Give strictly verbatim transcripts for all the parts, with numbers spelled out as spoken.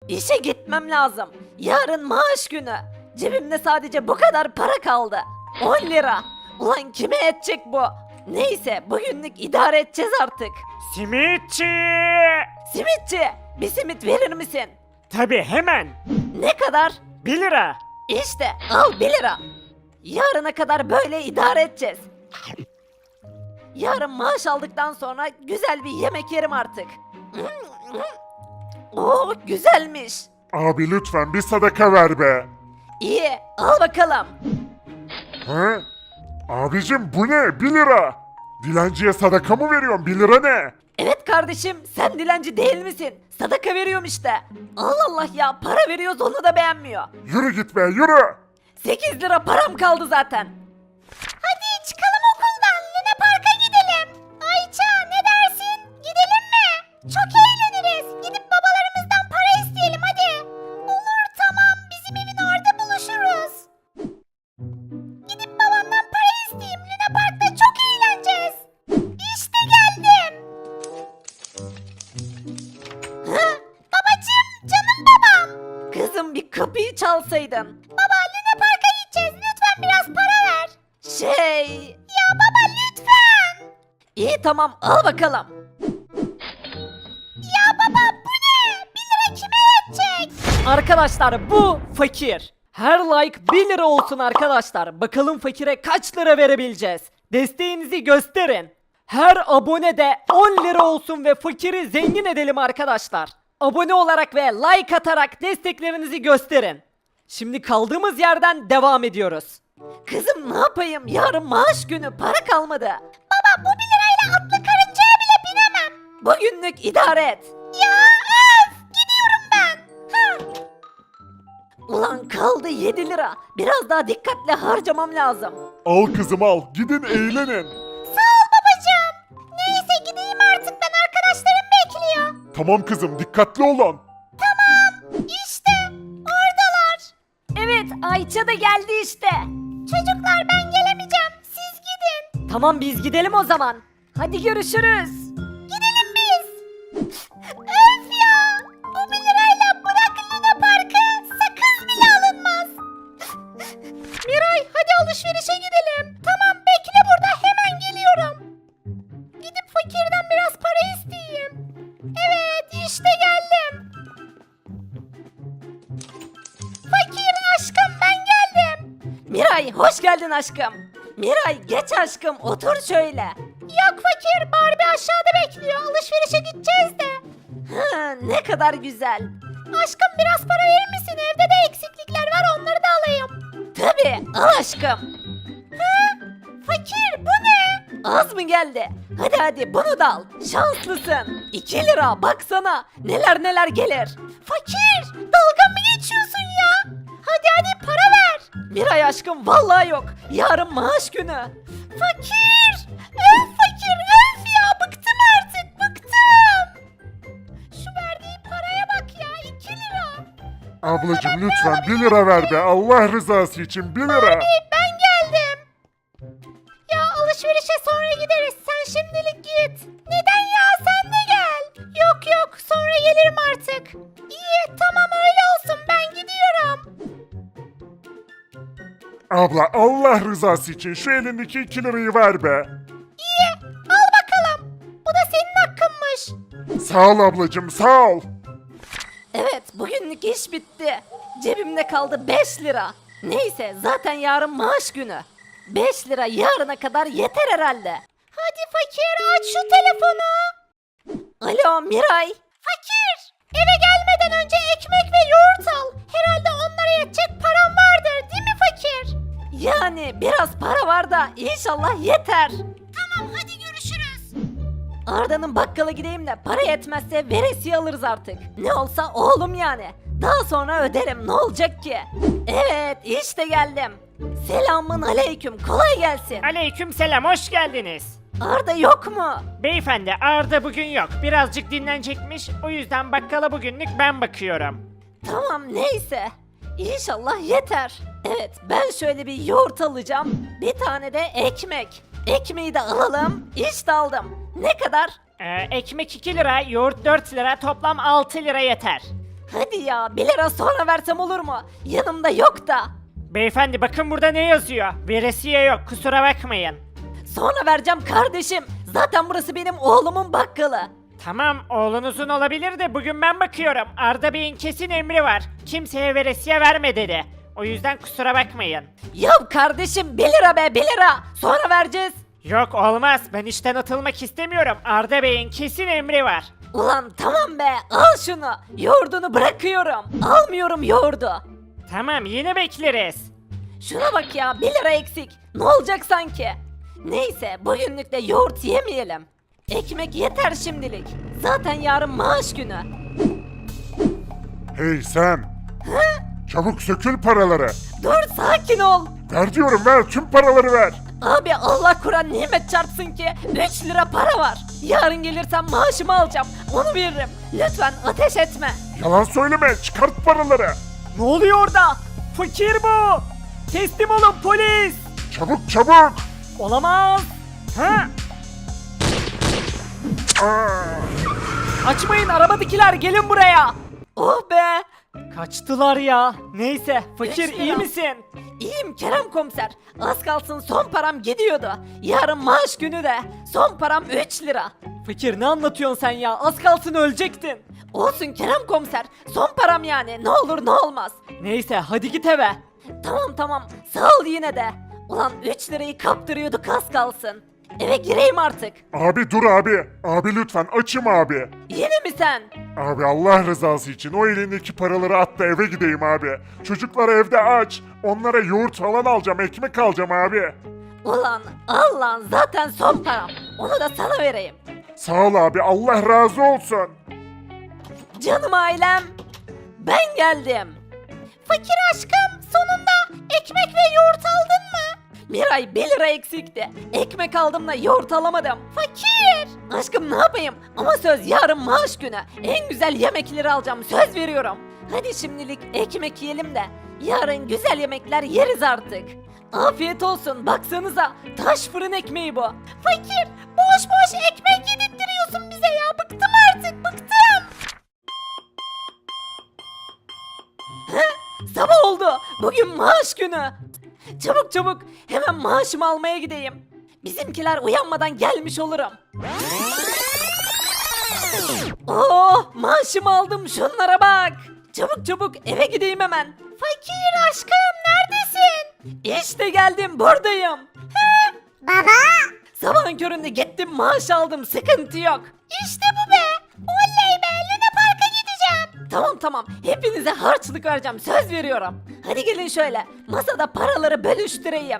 İşe gitmem lazım. Yarın maaş günü. Cebimde sadece bu kadar para kaldı. on lira. Ulan kime yetecek bu? Neyse bugünlük idare edeceğiz artık. Simitçi! Simitçi, bir simit verir misin? Tabi hemen. Ne kadar? bir lira. İşte al bir lira. Yarına kadar böyle idare edeceğiz. Yarın maaş aldıktan sonra güzel bir yemek yerim artık. Oo güzelmiş. Abi lütfen bir sadaka ver be. İyi al bakalım. He? Abicim bu ne? Bir lira. Dilenciye sadaka mı veriyorsun? Bir lira ne? Evet kardeşim sen dilenci değil misin? Sadaka veriyorum işte. Allah Allah ya para veriyoruz onu da beğenmiyor. Yürü git be yürü. sekiz lira param kaldı zaten. Hadi çıkalım okuldan Luna Park'a gidelim. Ayça ne dersin? Gidelim mi? Çok eğleniriz. Gidip babalarımızdan para isteyelim hadi. Olur tamam bizim evin orada buluşuruz. Gidip babamdan para isteyeyim. Luna Park'ta çok eğleneceğiz. İşte geldim. Hı? Babacım canım babam. Kızım bir kapıyı çalsaydın. Baba Luna Park'a gideceğiz lütfen biraz para ver. Şey... Ya baba lütfen. İyi tamam al bakalım. Ya baba bu ne? Bir lira kime yetecek? Arkadaşlar bu fakir. Her like bir lira olsun arkadaşlar. Bakalım fakire kaç lira verebileceğiz. Desteğinizi gösterin. Her abone de on lira olsun ve fakiri zengin edelim arkadaşlar. Abone olarak ve like atarak desteklerinizi gösterin. Şimdi kaldığımız yerden devam ediyoruz. Kızım ne yapayım? Yarın maaş günü para kalmadı. Baba bu bir lirayla atlı karıncaya bile binemem. Bugünlük idare et. Ya öf gidiyorum ben. Hı. Ulan kaldı yedi lira. Biraz daha dikkatli harcamam lazım. Al kızım al. Gidin eğlenin. Sağ ol babacığım. Neyse gideyim artık ben arkadaşlarım bekliyor. Tamam kızım dikkatli olun. İşte oradalar. Evet Ayça da geldi işte. Çocuklar ben gelemeyeceğim. Siz gidin. Tamam biz gidelim o zaman. Hadi görüşürüz. Gidelim biz. Öf ya. Bu bir lirayla bırak Luna Park'ı sakız bile alınmaz. Miray hadi alışverişe gidelim. Tamam bekle burada hemen geliyorum. Gidip fakirden biraz para isteyeyim. Evet işte geldim. Fakir aşkım ben geldim. Miray hoş geldin aşkım. Miray geç aşkım otur şöyle. Yok fakir Barbie aşağıda bekliyor alışverişe gideceğiz de. Ha, ne kadar güzel. Aşkım biraz para verir misin evde de eksiklikler var onları da alayım. Tabii al aşkım. Ha, fakir bu ne? Az mı geldi? Hadi hadi bunu da al. Şanslısın. iki lira baksana. Neler neler gelir. Fakir dalga mı geçiyorsun ya? Hadi hadi para ver. Miray aşkım vallahi yok. Yarın maaş günü. Fakir. Öf fakir öf ya bıktım artık bıktım. Şu verdiği paraya bak ya iki lira. Ablacım lütfen bir lira ver be. Allah rızası için bir lira. Ben geldim. Ya alışverişe sonra gideriz. Sen şimdilik git. Neden ya? Sen de gel. Yok yok sonra gelirim artık. İyi tamam öyle olsun ben gidiyorum. Abla Allah rızası için şu elindeki iki lirayı ver be. İyi al bakalım. Bu da senin hakkınmış. Sağ ol ablacım sağ ol. Evet bugünlük iş bitti. Cebimde kaldı beş lira. Neyse zaten yarın maaş günü. beş lira yarına kadar yeter herhalde. Hadi fakir aç şu telefonu. Alo Miray. Fakir eve gelmeden önce ekmek ve yoğurt al. Herhalde onlara yetecek param vardır değil mi fakir? Yani biraz para var da inşallah yeter. Tamam hadi görüşürüz. Arda'nın bakkala gideyim de para yetmezse veresiye alırız artık. Ne olsa oğlum yani. Daha sonra öderim ne olacak ki? Evet işte geldim. Selamın aleyküm kolay gelsin. Aleyküm selam hoş geldiniz. Arda yok mu? Beyefendi Arda bugün yok. Birazcık dinlenecekmiş. O yüzden bakkala bugünlük ben bakıyorum. Tamam neyse. İnşallah yeter. Evet ben şöyle bir yoğurt alacağım. Bir tane de ekmek. Ekmeği de alalım. İşte aldım. Ne kadar? Ee, ekmek iki lira, yoğurt dört lira, toplam altı lira yeter. Hadi ya bir lira sonra versem olur mu? Yanımda yok da. Beyefendi bakın burada ne yazıyor? Veresiye yok kusura bakmayın. Sonra vereceğim kardeşim. Zaten burası benim oğlumun bakkalı. Tamam oğlunuzun olabilir de bugün ben bakıyorum. Arda Bey'in kesin emri var. Kimseye veresiye verme dedi. O yüzden kusura bakmayın. Ya kardeşim bir lira be bir lira. Sonra vereceğiz. Yok olmaz ben işten atılmak istemiyorum. Arda Bey'in kesin emri var. Ulan tamam be al şunu. Yoğurdunu bırakıyorum. Almıyorum yoğurdu. Tamam yine bekleriz. Şuna bak ya bir lira eksik. Ne olacak sanki? Neyse bugünlük de yoğurt yemeyelim. Ekmek yeter şimdilik. Zaten yarın maaş günü. Hey sen. Çabuk sökül paraları. Dur sakin ol. Ver diyorum ver tüm paraları ver. Abi Allah Kur'an nimet çarpsın ki üç lira para var. Yarın gelirsem maaşımı alacağım. Onu veririm. Lütfen ateş etme. Yalan söyleme çıkart paraları. Ne oluyor orada? Fakir bu. Teslim olun polis. Çabuk çabuk. Olamaz. Ha? Aa, Açmayın arabadakiler gelin buraya. Oh be. Kaçtılar ya. Neyse fakir Üç lira. iyi misin? İyiyim Kerem komiser. Az kalsın son param gidiyordu. Yarın maaş günü de. Son param üç lira. Fakir ne anlatıyorsun sen ya? Az kalsın ölecektin. Olsun Kerem komiser. Son param yani. Ne olur ne olmaz. Neyse hadi git eve. Tamam tamam. Sağ ol yine de. Ulan üç lirayı kaptırıyorduk az kalsın. Eve gireyim artık. abi dur abi. Abi lütfen açım abi. Yine mi sen? Abi Allah rızası için o elindeki paraları at da eve gideyim abi. Çocuklar evde aç. Onlara yoğurt falan alacağım, ekmek alacağım abi. Ulan al lan zaten son param. Onu da sana vereyim. Sağ ol abi, Allah razı olsun. Canım ailem. Ben geldim. Fakir aşkım sonunda ekmek ve yoğurt aldın mı? Miray bir lira eksikti. Ekmek aldım da yoğurt alamadım. Fakir. Aşkım ne yapayım? Ama söz yarın maaş günü. En güzel yemekleri alacağım söz veriyorum. Hadi şimdilik ekmek yiyelim de. Yarın güzel yemekler yeriz artık. Afiyet olsun baksanıza. Taş fırın ekmeği bu. Fakir boş boş ekmek yedirtiyorsun bize ya. Bıktım artık bıktım. Sabah oldu. Bugün maaş günü. Çabuk çabuk hemen maaşımı almaya gideyim. Bizimkiler uyanmadan gelmiş olurum. Oh maaşımı aldım şunlara bak. Çabuk çabuk eve gideyim hemen. Fakir aşkım neredesin? İşte geldim buradayım. Baba. Sabahın köründe gittim maaş aldım sıkıntı yok. İşte bu be. Oley be Luna Park'a gideceğim. Tamam tamam hepinize harçlık vereceğim söz veriyorum. Hadi gelin şöyle masada paraları bölüştüreyim.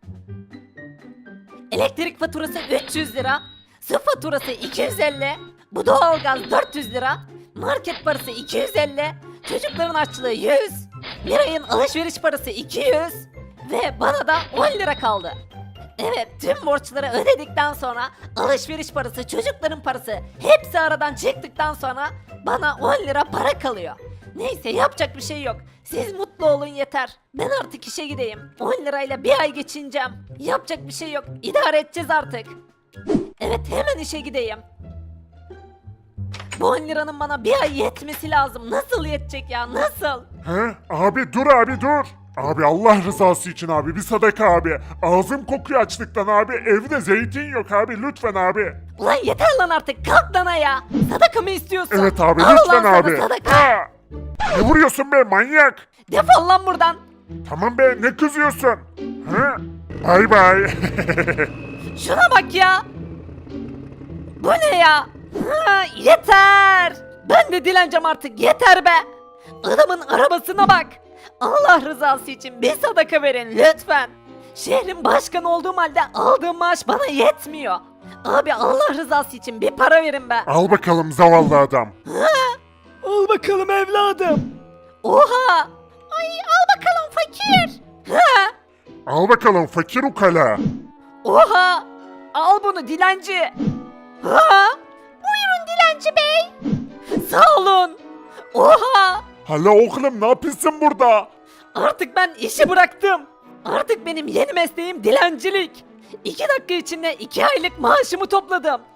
Elektrik faturası üç yüz lira. Su faturası iki yüz elli. Bu doğalgaz dört yüz lira. Market parası iki yüz elli. Çocukların açlığı yüz. Miray'ın alışveriş parası iki yüz. Ve bana da on lira kaldı. Evet tüm borçları ödedikten sonra alışveriş parası çocukların parası hepsi aradan çıktıktan sonra bana on lira para kalıyor. Neyse yapacak bir şey yok. Siz mutlu olun yeter. Ben artık işe gideyim. on lirayla bir ay geçineceğim. Yapacak bir şey yok. İdare edeceğiz artık. Evet hemen işe gideyim. Bu on liranın bana bir ay yetmesi lazım. Nasıl yetecek ya nasıl? He? Abi dur abi dur. Abi Allah rızası için abi bir sadaka abi. Ağzım kokuyor açlıktan abi. Evde zeytin yok abi lütfen abi. Ulan yeter lan artık kalk lan ayağa. Sadaka mı istiyorsun? Evet abi Al lütfen ulan sana abi. sadaka. Ha! Ne vuruyorsun be manyak? Defol lan buradan. Tamam be ne kızıyorsun? Ha? Bay bay. Şuna bak ya. Bu ne ya? Ha, yeter. Ben de dileneceğim artık yeter be. Adamın arabasına bak. Allah rızası için bir sadaka verin lütfen. Şehrin başkanı olduğum halde aldığım maaş bana yetmiyor. Abi Allah rızası için bir para verin be. Al bakalım zavallı adam. Al bakalım evladım. Oha. Ay al bakalım fakir. Ha. Al bakalım fakir ukala. Oha. Al bunu dilenci. Ha. Buyurun dilenci bey. Sağ olun. Oha. Hala oğlum ne yapıyorsun burada? Artık ben işi bıraktım. Artık benim yeni mesleğim dilencilik. İki dakika içinde iki aylık maaşımı topladım.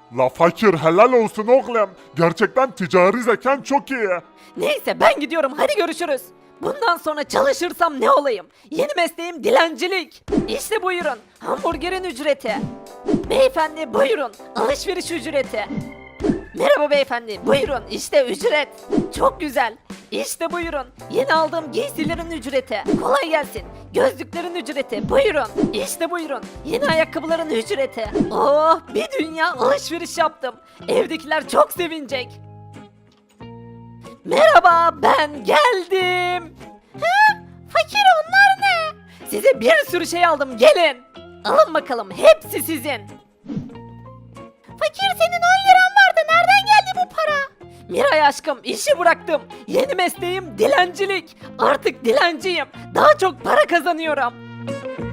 La fakir helal olsun oğlum. Gerçekten ticari zekan çok iyi. Neyse ben gidiyorum, hadi görüşürüz. Bundan sonra çalışırsam ne olayım? Yeni mesleğim dilencilik. İşte buyurun, hamburgerin ücreti. Beyefendi buyurun, alışveriş ücreti. Merhaba beyefendi, buyurun işte ücret. Çok güzel. İşte buyurun, yeni aldığım giysilerin ücreti. Kolay gelsin. Gözlüklerin ücreti, buyurun. İşte buyurun, yeni ayakkabıların ücreti. Oh, bir dünya alışveriş yaptım. Evdekiler çok sevinecek. Merhaba, ben geldim. He? Fakir, onlar ne? Size bir sürü şey aldım, gelin. Alın bakalım, hepsi sizin. Fakir, senin on liran vardı, nereden geldi bu para? Miray aşkım, işi bıraktım. Yeni mesleğim dilencilik. Artık dilenciyim. Daha çok para kazanıyorum.